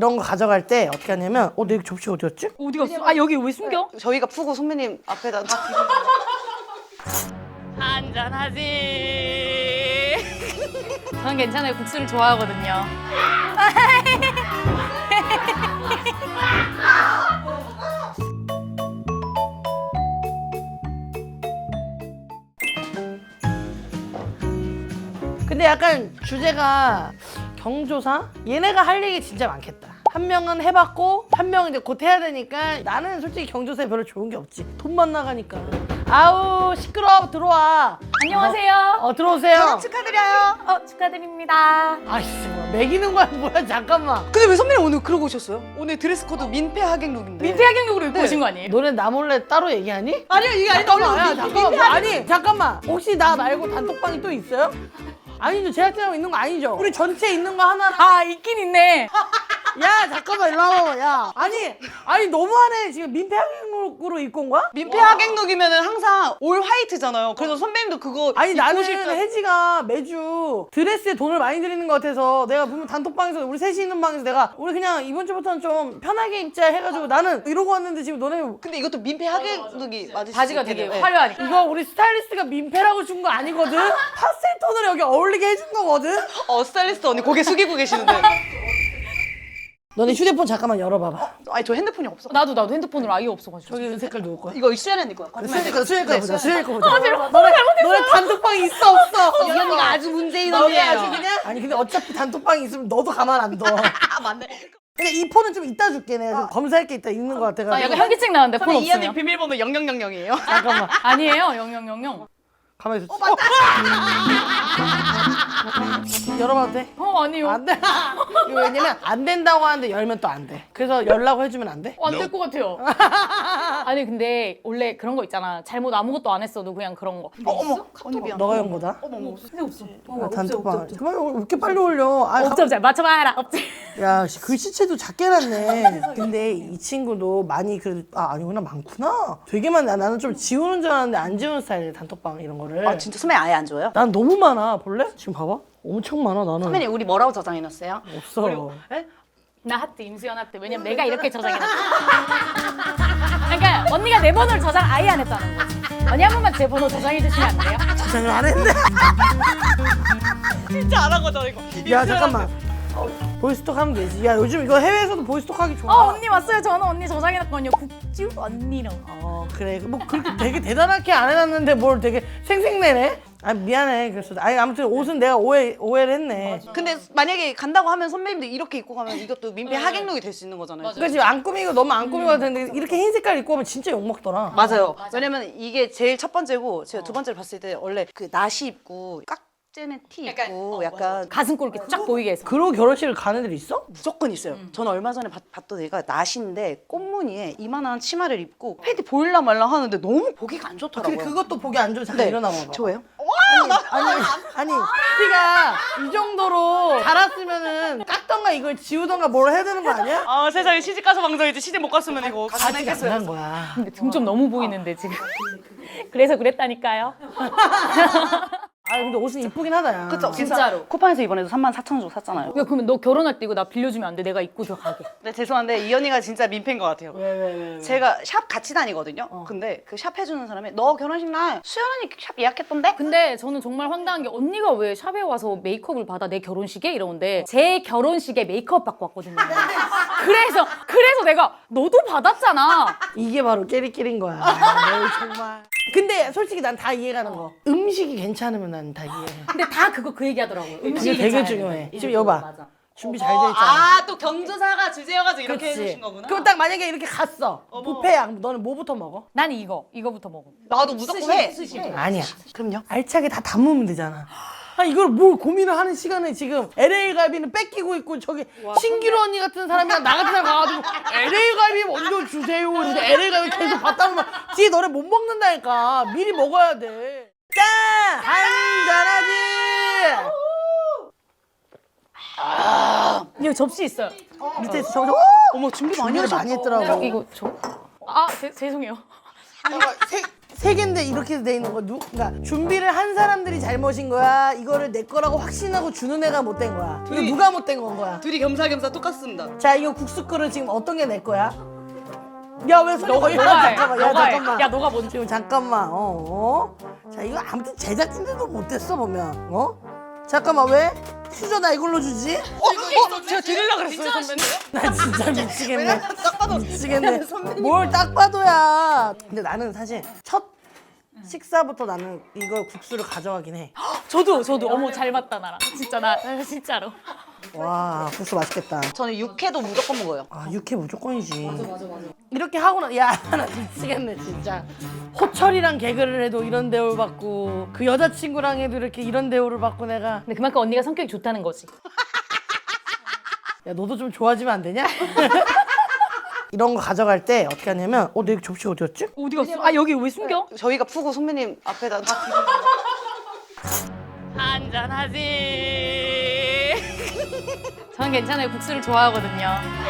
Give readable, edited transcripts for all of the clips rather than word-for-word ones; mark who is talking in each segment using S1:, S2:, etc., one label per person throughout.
S1: 이런 거 가져갈 때 어떻게 하냐면 내 접시 어디였지?
S2: 어디 갔어? 아 여기 왜 숨겨?
S3: 저희가 푸고 선배님 앞에다
S2: 한잔하지. 전 괜찮아요. 국수를 좋아하거든요.
S1: 근데 약간 주제가 경조사? 얘네가 할 얘기 진짜 많겠다. 한 명은 해봤고 한 명은 이제 곧 해야 되니까 나는 솔직히 경조사에 별로 좋은 게 없지. 돈만 나가니까. 아우 시끄러워 들어와.
S2: 안녕하세요.
S1: 들어오세요.
S3: 축하드려요.
S2: 축하드립니다.
S1: 아이씨 뭐 매기는 거야 뭐야 잠깐만.
S3: 근데 왜 선배님 오늘 그러고 오셨어요? 오늘 드레스 코드 민폐 하객룩인데.
S2: 민폐 하경력으로 입고
S3: 네.
S2: 오신 거 아니에요?
S1: 너네 나 몰래 따로 얘기하니?
S3: 아니요 이게 아니
S1: 잠깐만 야 잠깐만 아니 잠깐만 혹시 나 말고 단톡방이 또 있어요? 아니죠 제작진하고 있는 거 아니죠? 우리 전체 있는 거 하나랑
S2: 아 있긴 있네.
S1: 야 잠깐만 일로 와봐 야 아니 너무하네 지금 민폐 항목으로 입고 온 거야?
S3: 민폐 하객룩이면은 항상 올 화이트잖아요. 그래서 선배님도 그거
S1: 아니
S3: 입고
S1: 나는
S3: 오실 줄
S1: 혜지가 매주 드레스에 돈을 많이 들이는 것 같아서 내가 분명 단톡방에서 우리 셋이 있는 방에서 내가 우리 그냥 이번 주부터는 좀 편하게 입자 해가지고 나는 이러고 왔는데 지금 너네
S3: 근데 이것도 민폐 하객룩이 맞으시죠?
S2: 바지가 되게 화려하니까.
S1: 이거 우리 스타일리스트가 민폐라고 준 거 아니거든? 파스텔 톤으로 여기 어울리게 해준 거거든?
S3: 스타일리스트 언니 고개 숙이고 계시는데.
S1: 너네 휴대폰 잠깐만 열어봐봐.
S3: 아니 저 핸드폰이 없어.
S2: 나도 핸드폰으로 아예 없어가지고.
S1: 저기 색깔 누구 거야?
S3: 이거 수연 언니 거야.
S1: 수혜 거 보자. 수혜 거 보자. 너네 단톡방이 있어 없어?
S3: 이 언니가 아주 문재인
S1: 너네
S3: 언니예요.
S1: 아주 그냥? 아니 근데 어차피 단톡방이 있으면 너도 가만 안 둬.
S3: 아 맞네.
S1: 근데 이 폰은 좀 이따 줄게. 내가 좀 검사할 게 있다 있는 거 같아가지고.
S2: 아 약간 현기증 나는데 폰
S3: 선배님 이 언니
S2: 없으면.
S3: 비밀번호 0000이에요.
S1: 잠깐만.
S2: 아니에요. 0000.
S1: 가만히 있어. 열어봐도 돼?
S2: 아니요.
S1: 안 돼. 이거 왜냐면 안 된다고 하는데 열면 또 안 돼. 그래서 열라고 해주면 안 돼?
S2: 안 될 것 같아요. 아니 근데 원래 그런 거 있잖아. 잘못 아무것도 안 했어도 그냥 그런 거.
S3: 어머 언니 미안.
S1: 너가 연 거다?
S3: 어머.
S2: 근데 없어.
S1: 단톡방. 그만 왜 이렇게 빨리 올려? 아,
S2: 없지 없지. 맞춰봐라. 없지.
S1: 야, 글씨체도 작게 났네. 근데 이 친구도 많이 그래도 아니구나 많구나. 되게 많네. 나는 좀 지우는 줄 알았는데 안 지우는 스타일이야 단톡방 이런 거를.
S3: 아 진짜 선배님 아예 안 줘요?
S1: 난 너무 많아. 볼래? 지금 봐봐. 엄청 많아 나는.
S3: 선배님 우리 뭐라고 저장해놨어요?
S1: 없어.
S2: 나 하트 임수연 하트. 왜냐면 내가 이렇게 저장해놨어. 그러니까 언니가 내 번호를 저장 아예 안 했다는 거지. 언니 한 번만 제 번호 저장해 주시면 안 돼요?
S1: 저장을 안 했네.
S3: 진짜 안 하거든 이거.
S1: 야 잠깐만. 보이스톡 하면 되지. 야 요즘 이거 해외에서도 보이스톡 하기 좋아.
S2: 언니 왔어요. 저는 언니 저장해놨거든요. 국주 언니랑.
S1: 그래. 뭐 그렇게 되게 대단하게 안 해놨는데 뭘 되게 생색내네. 아 미안해. 그래서 아니 아무튼 옷은 내가 오해를 했네.
S3: 근데 만약에 간다고 하면 선배님들 이렇게 입고 가면 이것도 민폐 하객룩이 될 수 있는 거잖아요.
S2: 맞아요.
S1: 그러니까 지금 안 꾸미고 너무 안 꾸미고 되는데 이렇게 흰 색깔 입고 오면 진짜 욕 먹더라.
S3: 맞아요. 왜냐면 이게 제일 첫 번째고 제가 두 번째를 봤을 때 원래 그 나시 입고 깍재는 티 입고 약간
S2: 가슴골 이렇게 쫙 보이게 해서.
S1: 그러고 결혼식을 가는 애들 있어?
S3: 무조건 있어요. 저는 얼마 전에 봤던 애가 나시인데 꽃무늬에 이만한 치마를 입고 팬티 보일라 말라 하는데 너무 보기가 안 좋더라고요.
S1: 근데 그것도 보기 안 좋아. 잠깐
S3: 네.
S1: 일어나 봐봐.
S3: 저예요?
S1: 아니 티가 이 정도로 달았으면은 깠던가 이걸 지우던가 뭘 해야 되는 거 아니야?
S3: 아 세상에 시집 가서 방송이지 시집 못 갔으면 이거
S1: 아직 안난 거야.
S2: 근데 등좀 너무 보이는데 지금. 그래서 그랬다니까요.
S1: 아 근데 옷은 이쁘긴 하다 야.
S3: 그쵸?
S2: 진짜로.
S3: 쿠팡에서 이번에도 34,000원 주고 샀잖아요.
S2: 야 그러면 너 결혼할 때 이거 나 빌려주면 안 돼? 내가 입고 들어가게.
S3: 네 죄송한데 이 언니가 진짜 민폐인 것 같아요.
S1: 왜?
S3: 제가 샵 같이 다니거든요. 근데 그 샵 해주는 사람이 너 결혼식 날 수연 언니 샵 예약했던데?
S2: 근데 저는 정말 황당한 게 언니가 왜 샵에 와서 메이크업을 받아 내 결혼식에? 이러는데 제 결혼식에 메이크업 받고 왔거든요. 그래서 내가 너도 받았잖아.
S1: 이게 바로 깨리끼리인 거야. 너 정말. 근데 솔직히 난 다 이해가는 거. 음식이 괜찮으면 난 다 이해해.
S2: 근데 다 그거 얘기하더라고요.
S1: 그게
S2: 음식이
S1: 되게
S2: 괜찮아야
S1: 중요해.
S2: 돼.
S1: 지금 여봐.
S2: 맞아.
S1: 준비 잘 돼 있잖아.
S3: 또 경조사가 주제여가지고 이렇게
S1: 그치?
S3: 해주신 거구나.
S1: 그럼 딱 만약에 이렇게 갔어. 뷔페야. 너는 뭐부터 먹어?
S2: 난 이거부터 먹어.
S3: 나도 무조건 해.
S1: 아니야.
S3: 그럼요.
S1: 알차게 다 담으면 되잖아. 아 이걸 뭘 고민을 하는 시간에 지금 LA 갈비는 뺏기고 있고 저기 신기루 언니 같은 사람이랑 나 같은 사람 가가지고 LA 갈비 먼저 주세요. 근데 LA 갈비 계속 받다 보면 뒤에 너네 못 먹는다니까. 미리 먹어야 돼. 짠! 한잔하지!
S2: 여기 접시 있어요.
S1: 밑에 있어. 저거.
S3: 어머 준비 많이
S1: 준비를
S3: 하셨다.
S1: 많이 했더라고.
S2: 이거 저. 죄송해요.
S1: 세 개인데 이렇게 돼 있는 거 그러니까 준비를 한 사람들이 잘못인 거야? 이거를 내 거라고 확신하고 주는 애가 못된 거야? 이거 누가 못된 건 거야?
S3: 둘이 겸사겸사 똑같습니다.
S1: 자, 이거 국수 그릇 지금 어떤 게 내 거야? 야, 왜 손이
S2: 너가
S1: 야,
S2: 해.
S1: 잠깐만. 야,
S2: 너가 해.
S1: 잠깐만.
S2: 야, 너가 먼저.
S1: 지금 잠깐만. 자, 이거 아무튼 제작진들도 못했어 보면. 잠깐만, 왜? 수저 나 이걸로 주지?
S3: 제가 드리려고 그랬어요, 선배님.
S1: 나 진짜 미치겠네.
S3: 딱 봐도
S1: 미치겠네. 뭘 딱 봐도야. 근데 나는 사실 첫 식사부터 나는 이거 국수를 가져가긴 해.
S2: 저도 어머 잘 맞다 나랑. 진짜 나 진짜로.
S1: 와, 국수 맛있겠다.
S3: 저는 육회도 무조건 먹어요.
S1: 아, 육회 무조건이지. 맞아. 이렇게 하고는 야, 나 미치겠네 진짜. 호철이랑 개그를 해도 이런 대우를 받고 그 여자친구랑 해도 이렇게 이런 대우를 받고 내가
S2: 근데 그만큼 언니가 성격이 좋다는 거지.
S1: 야, 너도 좀 좋아지면 안 되냐? 이런 거 가져갈 때 어떻게 하냐면 내 접시 어디였지?
S2: 어디 갔어? 아 여기 왜 숨겨?
S3: 저희가 푸고 선배님 앞에다
S2: 한잔하지. 저는 괜찮아요. 국수를 좋아하거든요.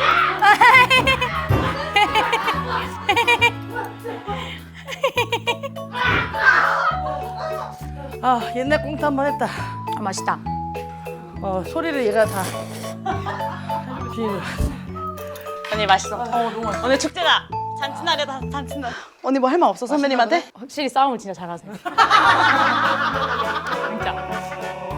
S1: 아, 옛날 꽁트 한 번 했다.
S2: 아, 맛있다.
S1: 소리를 얘가 다
S3: 언니 맛있어. 너무 맛있어. 오늘 축제다. 잔치날이다, 잔치날. 언니 뭐 할 말 없어, 선배님한테?
S2: 확실히 싸움을 진짜 잘하세요. 진짜.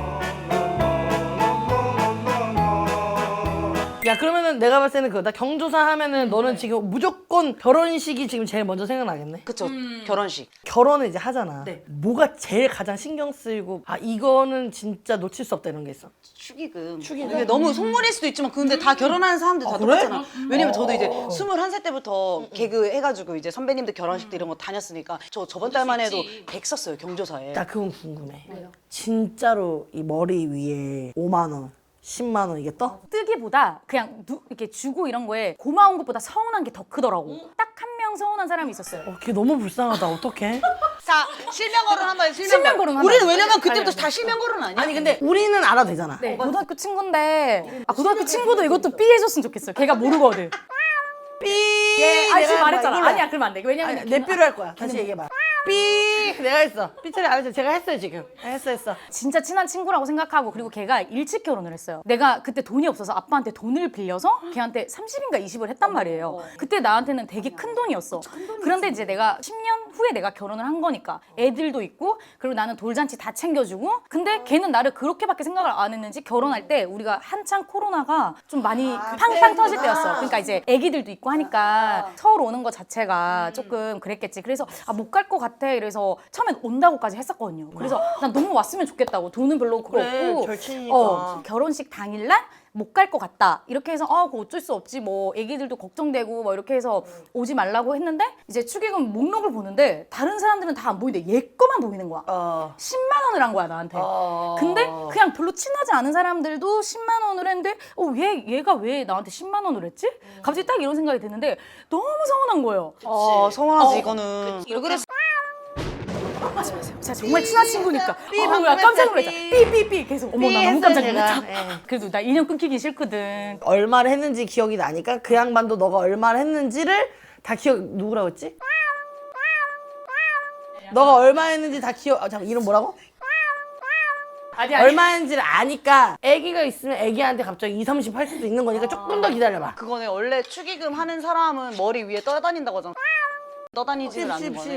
S1: 야, 그러면은 내가 봤을 때는 나 경조사 하면은 너는 지금 무조건 결혼식이 지금 제일 먼저 생각나겠네?
S3: 그쵸, 결혼식.
S1: 결혼을 이제 하잖아. 뭐가 제일 가장 신경 쓰이고 이거는 진짜 놓칠 수 없다 이런 게 있어?
S3: 축의금.
S1: 축의금?
S3: 이게 너무 속물일 수도 있지만 근데 다 결혼하는 사람들 다
S1: 그래?
S3: 똑같잖아. 왜냐면 저도 이제 21살 때부터 개그 해가지고 이제 선배님들 결혼식 때 이런 거 다녔으니까 저 저번 달만 해도 100 썼어요, 경조사에.
S1: 나 그건 궁금해. 진짜로 이 머리 위에 5만 원, 10만 원 이게 떠?
S2: 뜨기보다 그냥 이렇게 주고 이런 거에 고마운 것보다 서운한 게 더 크더라고. 딱 한 명 서운한 사람이 있었어요.
S1: 걔 너무 불쌍하다. 어떡해?
S3: 자, 실명 거론 한번 해요,
S2: 실명 거론 한번
S3: 우리는
S2: 해요.
S3: 왜냐면 그때부터 다 실명 거론 아니야?
S1: 아니 근데 우리는 알아도 되잖아.
S2: 네, 고등학교 친구인데 고등학교 친구도 이것도 삐 해줬으면 좋겠어요. 걔가 모르거든.
S1: 삐!
S2: 아니 지금
S1: 내가
S2: 말했잖아.
S1: 이걸로
S2: 아니야 그러면 안 돼. 왜냐면
S1: 아니, 내 삐로 할 거야. 다시 얘기해봐. 삐! 내가 했어. 삐 처리 안 했어. 제가 했어요 지금. 했어.
S2: 진짜 친한 친구라고 생각하고 그리고 걔가 일찍 결혼을 했어요. 내가 그때 돈이 없어서 아빠한테 돈을 빌려서 걔한테 30인가 20을 했단 말이에요. 그때 나한테는 되게 큰 돈이었어. 그런데 이제 내가 10년 후에 내가 결혼을 한 거니까 애들도 있고 그리고 나는 돌잔치 다 챙겨주고 근데 걔는 나를 그렇게밖에 생각을 안 했는지 결혼할 때 우리가 한창 코로나가 좀 많이 팡팡 터질 때였어. 그러니까 이제 애기들도 있고 하니까 서울 오는 거 자체가 조금 그랬겠지. 그래서 못 갈 것 같아. 이래서 처음엔 온다고까지 했었거든요. 그래서 난 너무 왔으면 좋겠다고. 돈은 별로
S1: 그래,
S2: 없고
S1: 절친이니까.
S2: 결혼식 당일날 못 갈 것 같다. 이렇게 해서 그거 어쩔 수 없지 뭐 애기들도 걱정되고 뭐 이렇게 해서 오지 말라고 했는데 이제 축의금 목록을 보는데 다른 사람들은 다 안 보이는데 얘 거만 보이는 거야. 10만 원을 한 거야 나한테. 근데 그냥 별로 친하지 않은 사람들도 10만 원을 했는데 얘가 왜 나한테 10만 원을 했지? 갑자기 딱 이런 생각이 드는데 너무 서운한 거예요.
S3: 서운하지 이거는. 그래서
S2: 제가 정말 친한 친구니까
S1: 방금
S2: 나 깜짝
S1: 했어요,
S2: 놀랐잖아.
S1: 삐.
S2: 삐삐삐 계속 어머
S1: 삐
S2: 나 너무
S1: 했어요,
S2: 깜짝
S1: 제가.
S2: 놀랐다.
S1: 예.
S2: 그래도 나 인연 끊기기 싫거든.
S1: 얼마를 했는지 기억이 나니까 그 양반도 너가 얼마를 했는지를 다 누구라고 했지? 너가 얼마 했는지 다 잠깐 이름 뭐라고?
S2: 아니
S1: 얼마 했는지를 아니까 애기가 있으면 애기한테 갑자기 2, 30 할 수도 있는 거니까 조금 더 기다려봐.
S3: 그거네. 원래 축의금 하는 사람은 머리 위에 떠다닌다고 하잖아. 떠다니지는 않는 거네.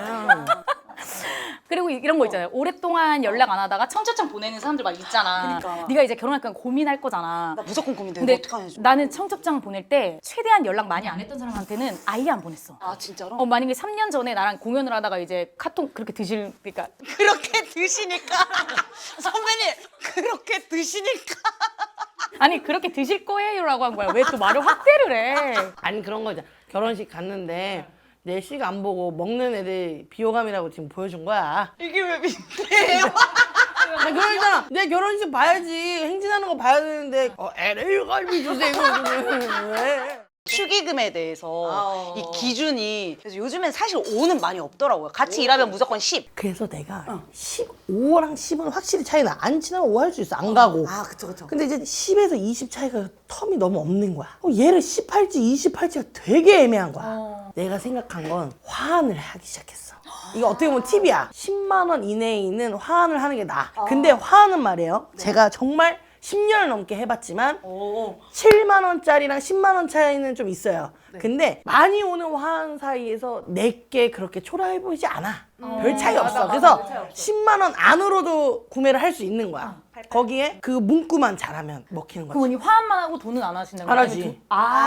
S2: 그리고 이런 거 있잖아요. 오랫동안 연락 안 하다가 청첩장 보내는 사람들 막 있잖아.
S3: 그러니까.
S2: 네가 이제 결혼할 거면 고민할 거잖아.
S3: 나 무조건 고민돼.
S2: 근데
S3: 이거 어떡하냐.
S2: 나는 청첩장 보낼 때 최대한 연락 많이 안 했던 사람한테는 아예 안 보냈어.
S3: 아 진짜로?
S2: 만약에 3년 전에 나랑 공연을 하다가 이제 카톡 그렇게 그러니까
S3: 그렇게 드시니까 선배님 그렇게 드시니까
S2: 아니 그렇게 드실 거예요라고 한 거야. 왜 또 말을 확대를 해?
S1: 아니 그런 거 있잖아. 결혼식 갔는데 내 식 안 보고 먹는 애들 비호감이라고 지금 보여준 거야.
S3: 이게 왜 민폐예요?
S1: 아, 그러잖아. 내 결혼식 봐야지. 행진하는 거 봐야 되는데 LA 갈비 주세요. 왜?
S3: 축의금에 대해서 이 기준이 그래서 요즘엔 사실 5는 많이 없더라고요. 같이 일하면 무조건 10.
S1: 그래서 내가 5랑 10은 확실히 차이 나. 안 친하면 5 할 수 있어. 안 가고.
S3: 그쵸.
S1: 근데 이제 10에서 20 차이가 텀이 너무 없는 거야. 얘를 10 할지 20 할지가 되게 애매한 거야. 내가 생각한 건 화환을 하기 시작했어. 이거 어떻게 보면 팁이야. 10만 원 이내에 있는 화환을 하는 게 나아. 근데 화환은 말이에요. 제가 정말 10년을 넘게 해봤지만 7만 원짜리랑 10만 원 차이는 좀 있어요. 근데 많이 오는 화환 사이에서 내게 그렇게 초라해 보이지 않아. 별 차이 없어. 그래서 10만 원 안으로도 구매를 할 수 있는 거야. 거기에 그 문구만 잘하면 먹히는 거지.
S2: 그럼 언니 화환만 하고 돈은 안 하시는 거예요?
S1: 안 하지.
S2: 그렇게?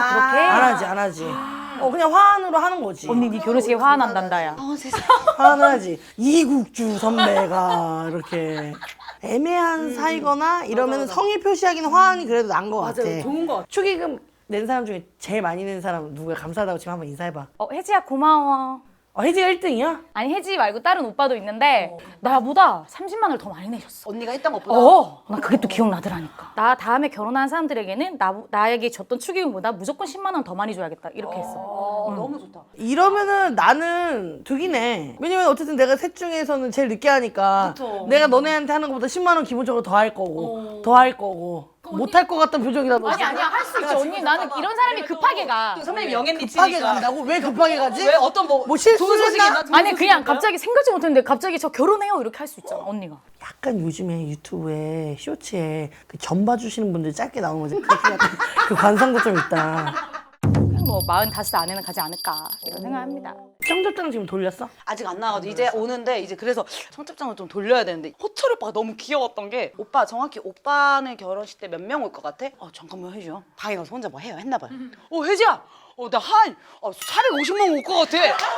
S1: 안 하지. 그냥 화환으로 하는 거지.
S2: 언니 네 결혼식에 화환한단다 야.
S3: 세상에.
S1: 화환을 하지. 이국주 선배가 이렇게 애매한 사이거나 이러면 성의 표시하기는 화환이 그래도 나은 것 같아.
S2: 좋은 거 같아.
S1: 축의금 낸 사람 중에 제일 많이 낸 사람 누구야? 감사하다고 지금 한번 인사해봐.
S2: 혜지야 고마워.
S1: 혜지가 1등이야?
S2: 아니 혜지 말고 다른 오빠도 있는데 나보다 30만 원을 더 많이 내셨어.
S3: 언니가 했던 것보다.
S2: 나 그게 또 기억나더라니까. 나 다음에 결혼한 사람들에게는 나에게 줬던 축의금보다 무조건 10만 원 더 많이 줘야겠다 이렇게 했어.
S3: 너무 좋다.
S1: 이러면은 나는 득이네. 왜냐면 어쨌든 내가 셋 중에서는 제일 늦게 하니까
S3: 그쵸.
S1: 내가 너네한테 하는 것보다 10만 원 기본적으로 더 할 거고 못 할 것 같던 표정이라도
S2: 아니야 할 수 있지 언니. 나는 이런 사람이 급하게 가.
S3: 선배님 영앤
S1: 급하게 간다고? 왜 급하게 가지?
S3: 왜 어떤
S1: 뭐 실수를 했나?
S2: 아니 그냥 갑자기 생각지 못했는데 갑자기 저 결혼해요 이렇게 할 수 있잖아 언니가.
S1: 약간 요즘에 유튜브에 쇼츠에 그 점 봐주시는 분들 짧게 나오는 거지. 그 관상도 좀 있다.
S2: 그냥 뭐 45 안에는 가지 않을까 이런 생각합니다.
S1: 청첩장 지금 돌렸어?
S3: 아직 안 나와가지고 이제 오는데 이제 그래서 청첩장을 좀 돌려야 되는데 호철 오빠가 너무 귀여웠던 게 오빠 정확히 오빠는 결혼식 때 몇 명 올 것 같아? 잠깐만 혜지야 방에 가서 혼자 뭐 해요 했나 봐요. 혜지야 나 한 450명 올 것 같아.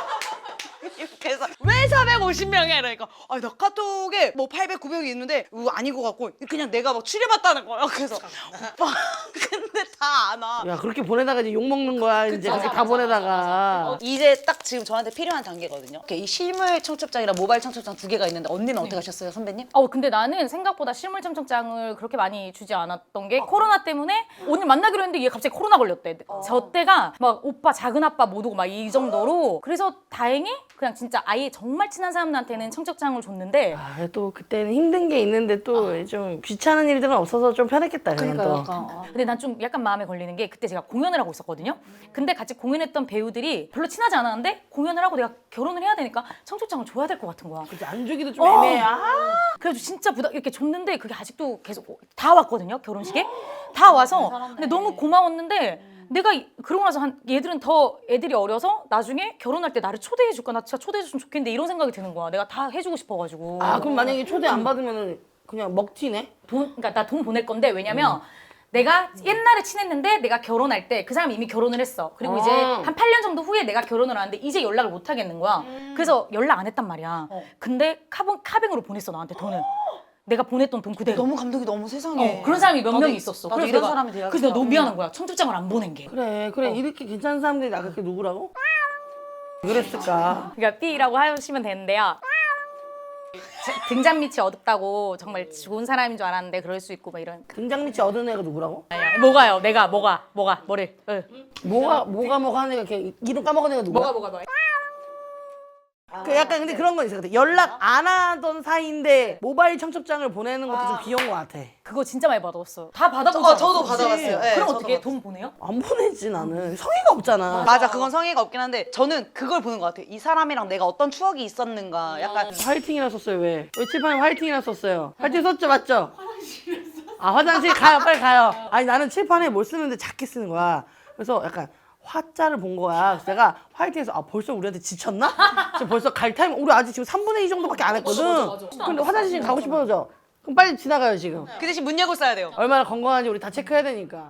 S3: 그래서 왜 450명이야 이러니까 나 카톡에 뭐 800, 900이 있는데 아닌 것 같고 그냥 내가 막 추려봤다는 거예요. 그래서 오빠 근데 다 안 와.
S1: 야 그렇게 보내다가 이제 욕 먹는 거야. 이제 그렇게 다 보내다가.
S3: 이제 딱 지금 저한테 필요한 단계거든요. 이렇게 이 실물 청첩장이랑 모바일 청첩장 두 개가 있는데 언니는 어떻게 하셨어요, 선배님?
S2: 근데 나는 생각보다 실물 청첩장을 그렇게 많이 주지 않았던 게 코로나 때문에 오늘 만나기로 했는데 얘 갑자기 코로나 걸렸대. 저 때가 막 오빠 작은 아빠 못 오고 막 이 정도로. 그래서 다행히 그냥 진짜 아예 정말 친한 사람들한테는 청첩장을 줬는데
S1: 또 그때는 힘든 게 있는데 또 좀 귀찮은 일들은 없어서 좀 편했겠다. 그냥 또.
S2: 근데 난 좀 약간 마음에 걸리는 게 그때 제가 공연을 하고 있었거든요. 근데 같이 공연했던 배우들이 별로 친하지 않았는데 공연을 하고 내가 결혼을 해야 되니까 청첩장을 줘야 될 것 같은 거야.
S1: 그치, 안 주기도 좀 애매해.
S2: 그래서 진짜 이렇게 줬는데 그게 아직도 계속 다 왔거든요. 결혼식에 다 와서. 근데 너무 고마웠는데 내가 그러고 나서 애들이 어려서 나중에 결혼할 때 나를 초대해 줄까? 나 진짜 초대해 줬으면 좋겠는데 이런 생각이 드는 거야. 내가 다 해주고 싶어가지고.
S1: 그럼 만약에 초대 안 받으면 그냥 먹튀네?
S2: 그러니까 나 돈 보낼 건데 왜냐면 내가 옛날에 친했는데 내가 결혼할 때 그 사람이 이미 결혼을 했어. 그리고 이제 한 8년 정도 후에 내가 결혼을 하는데 이제 연락을 못 하겠는 거야. 그래서 연락 안 했단 말이야. 근데 카뱅으로 보냈어 나한테 돈을. 내가 보냈던 돈 그대로.
S3: 너무 감동이 너무 세상에.
S2: 그런 사람이 몇 명 있었어.
S3: 나도
S2: 그래서
S3: 이런
S2: 내가-
S3: 사람이 돼야겠다.
S2: 그래서 내가 너무 미안한 거야. 청첩장을 안 보낸 게.
S1: 그래 이렇게 괜찮은 사람들이 나 그렇게 누구라고? 왜 그랬을까?
S2: 그러니까 B라고 하시면 되는데요. 등잔 밑이 어둡다고 정말 좋은 사람인 줄 알았는데 그럴 수 있고 막 이런.
S1: 등장 밑이 얻은 애가 누구라고?
S2: 뭐가요? 내가 뭐가 뭐를?
S1: 뭐가 하는 애가 이렇게 이름 까먹은 애가 누구야?
S2: 뭐가?
S1: 약간 근데 그런 건 있어. 연락 안 하던 사이인데 모바일 청첩장을 보내는 것도 좀 귀여운 것 같아.
S2: 그거 진짜 많이 받았어요. 다 받아보죠.
S3: 저도 받아봤어요. 네,
S2: 그럼
S3: 저도
S2: 어떻게
S3: 받았어요.
S2: 돈 보내요?
S1: 안 보내지 나는. 성의가 없잖아.
S3: 맞아, 그건 성의가 없긴 한데 저는 그걸 보는 것 같아요. 이 사람이랑 내가 어떤 추억이 있었는가. 약간
S1: 화이팅이라 썼어요. 왜 칠판에 화이팅이라 썼어요? 화이팅 썼죠, 맞죠? 화장실 가요, 빨리 가요. 아니 나는 칠판에 뭘 쓰는데 작게 쓰는 거야. 그래서 약간 화자를 본 거야. 그래서 내가 화이팅해서 벌써 우리한테 지쳤나? 지금 벌써 갈 타임 우리 아직 지금 3분의 2 정도밖에 안 했거든. 근데 화장실 가고 싶어져. 그럼 빨리 지나가요 지금.
S3: 그 대신 문 열고 써야 돼요.
S1: 얼마나 건강한지 우리 다 체크해야 되니까.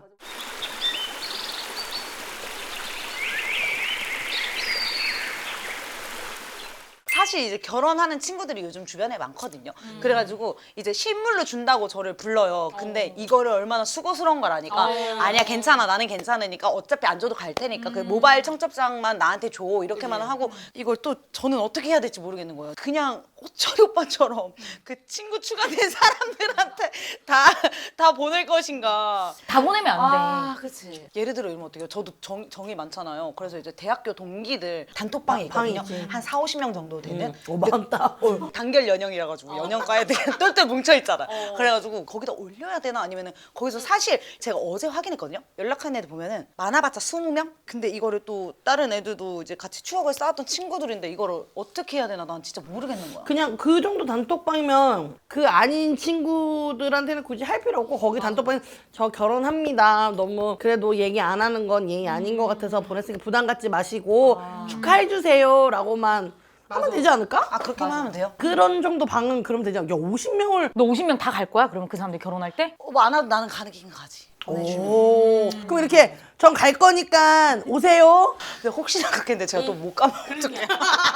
S3: 사실 이제 결혼하는 친구들이 요즘 주변에 많거든요. 그래가지고 이제 선물로 준다고 저를 불러요. 근데 이거를 얼마나 수고스러운 걸 아니까 아니야 괜찮아 나는 괜찮으니까 어차피 안 줘도 갈 테니까 그 모바일 청첩장만 나한테 줘 이렇게만 하고 이걸 또 저는 어떻게 해야 될지 모르겠는 거예요. 그냥 호철이 오빠처럼 그 친구 추가된 사람들한테 다 보낼 것인가.
S2: 다 보내면 안 돼.
S3: 아, 그치. 예를 들어 이러면 어떡해요? 저도 정이 많잖아요. 그래서 이제 대학교 동기들 단톡방이 있거든요.
S1: 있지.
S3: 한 4, 50명 정도 되는.
S1: 많다.
S3: 단결 연영이라 가지고 연영과에 똘똘 뭉쳐 있잖아. 그래가지고 거기다 올려야 되나 아니면은 거기서 사실 제가 어제 확인했거든요. 연락한 애들 보면은 많아봤자 20명? 근데 이거를 또 다른 애들도 이제 같이 추억을 쌓았던 친구들인데 이거를 어떻게 해야 되나 난 진짜 모르겠는 거야.
S1: 그냥 그 정도 단톡방이면 그 아닌 친구들한테는 굳이 할 필요 없고 거기 단톡방에 저 결혼합니다. 너무 그래도 얘기 안 하는 건 예의 아닌 것 같아서 보냈으니까 부담 갖지 마시고 축하해 주세요 라고만 하면 되지 않을까?
S3: 아 그렇게만 하면 돼요?
S1: 그런 정도 방은 그러면 되지 않을까? 야 50명을
S2: 너 50명 다 갈 거야? 그러면 그 사람들 결혼할 때?
S3: 뭐 안 와도 나는 가는 긴 가지.
S1: 오. 그럼 이렇게 전 갈 거니까 오세요.
S3: 근데 혹시나 그렇겠는데 제가 또 못 가면 어떡해.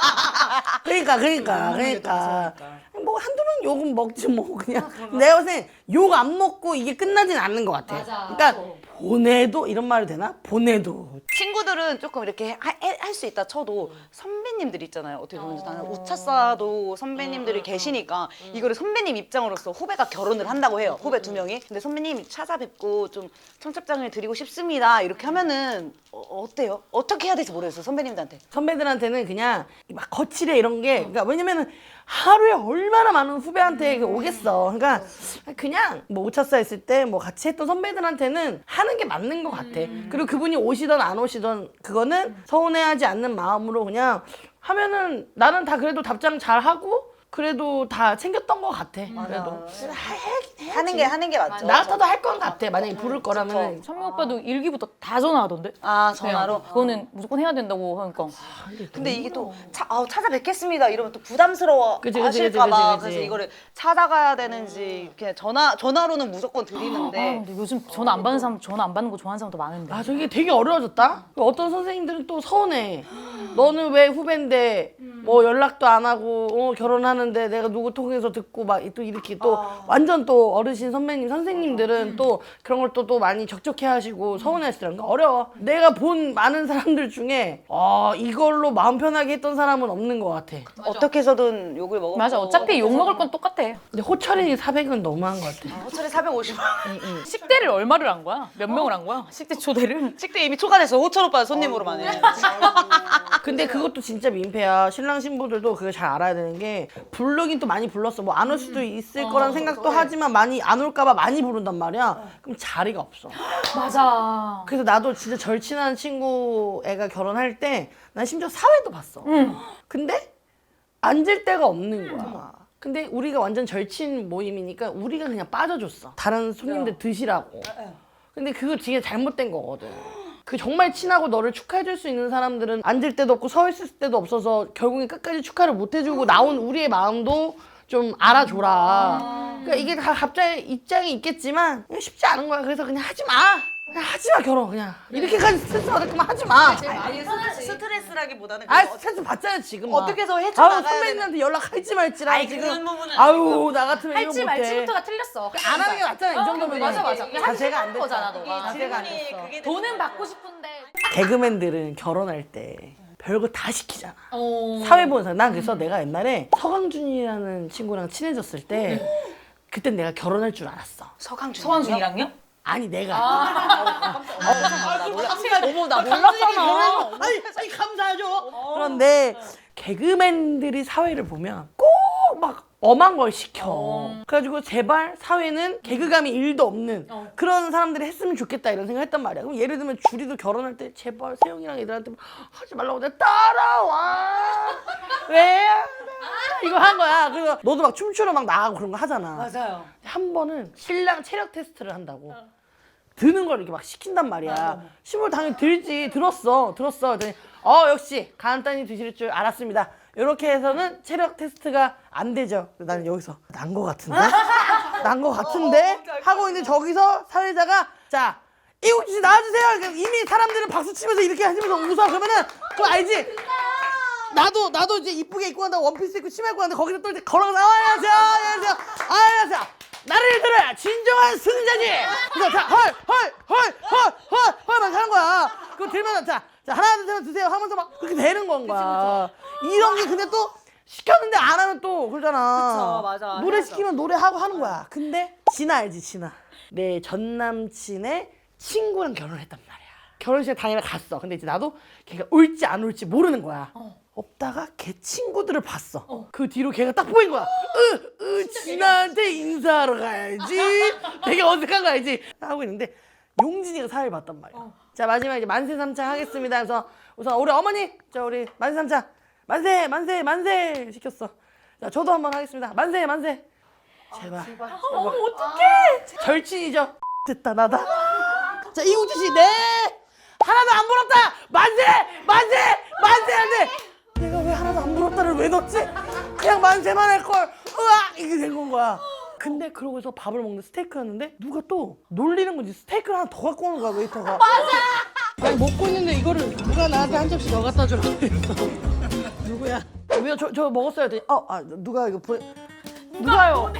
S1: 그러니까. 뭐 한두 명 욕은 먹지 뭐 그냥. 내가 봤을 땐욕 안 먹고 이게 끝나진 않는 것 같아. 그러니까 보내도 이런 말이 되나? 보내도.
S3: 친구들은 조금 이렇게 할 수 있다 쳐도 선배님들 있잖아요. 어떻게 보면 나는 오차사도 선배님들이 계시니까 이거를 선배님 입장으로서 후배가 결혼을 한다고 해요. 후배 2명이. 근데 선배님 찾아뵙고 좀 청첩장을 드리고 싶습니다. 이렇게 하면은 어때요? 어떻게 해야 될지 모르겠어요. 선배님들한테.
S1: 선배들한테는 그냥 막 거칠해 이런 게 그러니까 왜냐면은 하루에 얼마나 많은 후배한테 오겠어. 그러니까 그냥 뭐 오차사 했을 때 뭐 같이 했던 선배들한테는 하는 게 맞는 것 같아. 그리고 그분이 오시던 안 오시던 그거는 서운해하지 않는 마음으로 그냥 하면은 나는 다 그래도 답장 잘 하고 그래도 다 챙겼던 것 같아. 그래도
S3: 하는 게 맞죠.
S1: 나 같아도 할 건 같아. 만약에 부를 거라면.
S2: 선미 오빠도 일기부터 다 전화하던데?
S3: 아 전화로?
S2: 그거는 무조건 해야 된다고 하니까.
S3: 근데 이게 또 찾아뵙겠습니다 이러면 또 부담스러워
S1: 그치.
S3: 하실까봐 그래서 이거를 찾아가야 되는지 그냥 전화로는 무조건 드리는데
S2: 근데 요즘 전화 안 받는 사람 전화 안 받는 거 좋아하는 사람도 많은데.
S1: 아 저게 되게 어려워졌다. 어떤 선생님들은 또 서운해. 너는 왜 후배인데 뭐 연락도 안 하고 결혼하는데 내가 누구 통해서 듣고 막 또 이렇게 또 완전 또 어르신 선생님들은 또 그런 걸 또 많이 적적해 하시고 서운해 하시더라고요. 어려워. 내가 본 많은 사람들 중에 이걸로 마음 편하게 했던 사람은 없는 것 같아.
S3: 어떻게 해서든 욕을 먹어.
S2: 맞아. 어차피 욕 먹을 건 똑같아.
S1: 근데 호철이 400은 너무한 것 같아.
S3: 호철이 450원.
S2: 식대를 얼마를 한 거야? 몇 명을 한 거야? 식대 초대를?
S3: 식대 이미 초과됐어. 호철 오빠 손님으로만 해.
S1: 근데 그것도 진짜 민폐야. 신랑 신부들도 그걸 잘 알아야 되는 게 부르긴 또 많이 불렀어. 뭐 안 올 수도 있을 거란 생각도 하지만 많이 안 올까 봐 많이 부른단 말이야. 그럼 자리가 없어.
S2: 맞아.
S1: 그래서 나도 진짜 절친한 친구 애가 결혼할 때 난 심지어 사회도 봤어. 근데 앉을 데가 없는 거야. 근데 우리가 완전 절친 모임이니까 우리가 그냥 빠져줬어. 다른 손님들 드시라고. 근데 그거 되게 잘못된 거거든. 그 정말 친하고 너를 축하해줄 수 있는 사람들은 앉을 데도 없고 서 있을 데도 없어서 결국에 끝까지 축하를 못 해주고 나온 우리의 마음도 좀 알아줘라. 그러니까 이게 다 갑자기 입장이 있겠지만 쉽지 않은 거야. 그래서 그냥 하지 마. 그냥 하지 마 결혼 그냥. 이렇게까지 스트레스 받을 거면 하지 마.
S3: 아니 스트레스라기보다는
S1: 스트레스 받잖아 지금.
S3: 어떻게 해서 헤쳐나가야
S1: 선배님한테 연락할지 말지라
S3: 아니,
S1: 지금.
S3: 그런 부분은
S1: 아유 나 같으면 이거
S2: 할지
S1: 못해.
S2: 말지부터가 틀렸어.
S1: 안 하는 게 낫잖아 이 정도면.
S2: 맞아.
S1: 자세가 안 됐어.
S2: 거잖아, 너가.
S1: 자세가 안 됐어.
S2: 돈은 받고 싶은데.
S1: 개그맨들은 결혼할 때 별거 다 시키잖아. 사회 보는 사람. 난 그래서 내가 옛날에 서강준이라는 친구랑 친해졌을 때 그때 내가 결혼할 줄 알았어.
S2: 서한준이랑요?
S1: 아니 내가.
S3: 어머 나 몰랐잖아.
S1: 아니 감사하죠. 그런데 개그맨들이 사회를 보면 꼭 막 엄한 걸 시켜. 그래가지고 제발 사회는 개그감이 1도 없는 그런 사람들이 했으면 좋겠다 이런 생각 했단 말이야. 그럼 예를 들면 주리도 결혼할 때 제발 세영이랑 애들한테 하지 말라고 내가 따라와. 왜? 이거 한 거야. 그래서 너도 막 춤추러 막 나가고 그런 거 하잖아.
S3: 맞아요.
S1: 한 번은 신랑 체력 테스트를 한다고 드는 걸 이렇게 막 시킨단 말이야. 신부를 당연히 들었어. 그랬더니 역시 간단히 드실 줄 알았습니다. 이렇게 해서는 체력 테스트가 안 되죠. 나는 여기서 난 거 같은데? 하고 있는데 저기서 사회자가 자 이국 씨 나와주세요. 이미 사람들은 박수 치면서 이렇게 하시면서 웃어. 그러면은 그거 알지? 나도 이제 이쁘게 입고 간다고 원피스 입고 치마 입고 갔는데 거기서 또 이제 걸어가서 안녕하세요. 나를 들어야 진정한 승자지. 그래서 헐 하는 거야. 그거 들면 자 하나 둘 셋 드세요 하면서 막 그렇게 되는 건가. 이런 게 근데 또 시켰는데 안 하면 또 그러잖아.
S3: 그쵸, 맞아.
S1: 노래
S3: 해야죠.
S1: 시키면 노래하고 하는 거야. 근데 진아 알지 진아. 내 전 남친의 친구랑 결혼했단 말이야. 결혼식에 당일에 갔어. 근데 이제 나도 걔가 올지 안 올지 모르는 거야. 없다가 걔 친구들을 봤어. 그 뒤로 걔가 딱 보인 거야. 진아한테 인사하러 가야지. 되게 어색한 거 알지? 하고 있는데 용진이가 사회를 봤단 말이야. 자 마지막 이제 만세삼창 하겠습니다. 그래서 우선 우리 어머니, 자 우리 만세삼창 만세 시켰어. 자 저도 한번 하겠습니다. 만세. 제발.
S2: 어떡해.
S1: 절친이죠. 됐다 나다. 자 이국주 씨, 네 하나도 안 부럽다. 만세 한데 내가 왜 하나도 안 부럽다를 왜 넣었지? 그냥 만세만 할 걸. 으악 이게 된 건 거야. 근데 그러고서 밥을 먹는 스테이크였는데 누가 또 놀리는 건지 스테이크를 하나 더 갖고 오는 거야 웨이터가. 맞아. 아니 먹고 있는데 이거를 누가 나한테 한 접시 더 갖다 주라고 했어. 누구야? 왜요? 저 먹었어요. 했더니 누가 이거 누가요?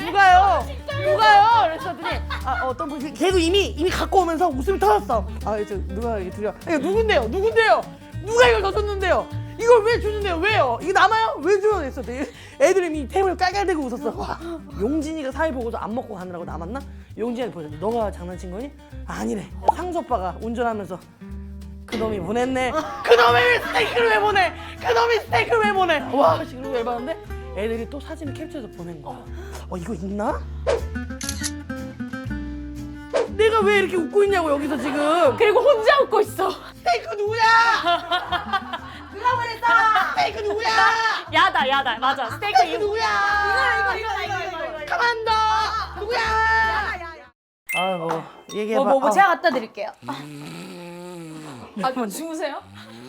S1: 그랬더니 어떤 분이 걔도 이미 갖고 오면서 웃음이 터졌어. 누가 이게 드려? 이거 누군데요? 누가 이걸 더 줬는데요? 이걸 왜 주는데요? 왜요? 이거 남아요? 왜 줘요? 했었더니 애들이 이미 테이블에 깔깔대고 웃었어. 와, 용진이가 사회 보고서 안 먹고 가느라고 남았나? 용진이한테 보여줬는데 너가 장난친 거니? 아니래. 상수 오빠가 운전하면서 그놈이 보냈네. 그놈이 스테이크를 왜 보내? 와, 지금 열받는데 애들이 또 사진을 캡처해서 보낸 거야. 이거 있나? 내가 왜 이렇게 웃고 있냐고 여기서 지금.
S2: 그리고 혼자 웃고 있어.
S1: 스테이크 누구야? 누가 보냈어? 스테이크 누구야?
S2: 야다. 맞아. 스테이크 이거.
S1: 누구야?
S2: 이거.
S1: 가만둬. 누구야? 아이고 얘기해봐.
S2: 뭐 제가 갖다 드릴게요. 주무세요?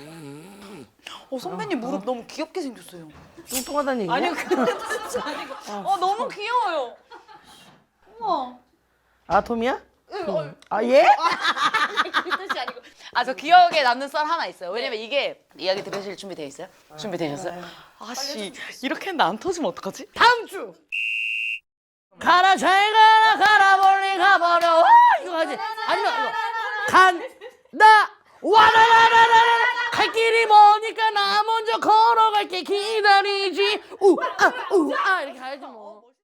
S3: 선배님 무릎 너무 귀엽게 생겼어요.
S1: 뚱뚱하다는 얘기야?
S3: 아니요, 근데 진짜 아니고. 너무 귀여워요. 우와.
S1: 아톰이야? 예?
S3: 그 뜻이 아니고. 저 기억에 남는 썰 하나 있어요. 왜냐면 이게 이야기 들으실 준비되어 있어요? 준비되셨어요? 아씨, 이렇게 했는데 안 터지면 어떡하지?
S1: 다음 주. 가라 잘 가라 멀리 가버려. 와, 이거 하지. 아니면 이거 간다 와라라라라라 갈 길이 머니까 나 먼저 걸어갈게 기다리지 우아 이렇게 가야지 뭐.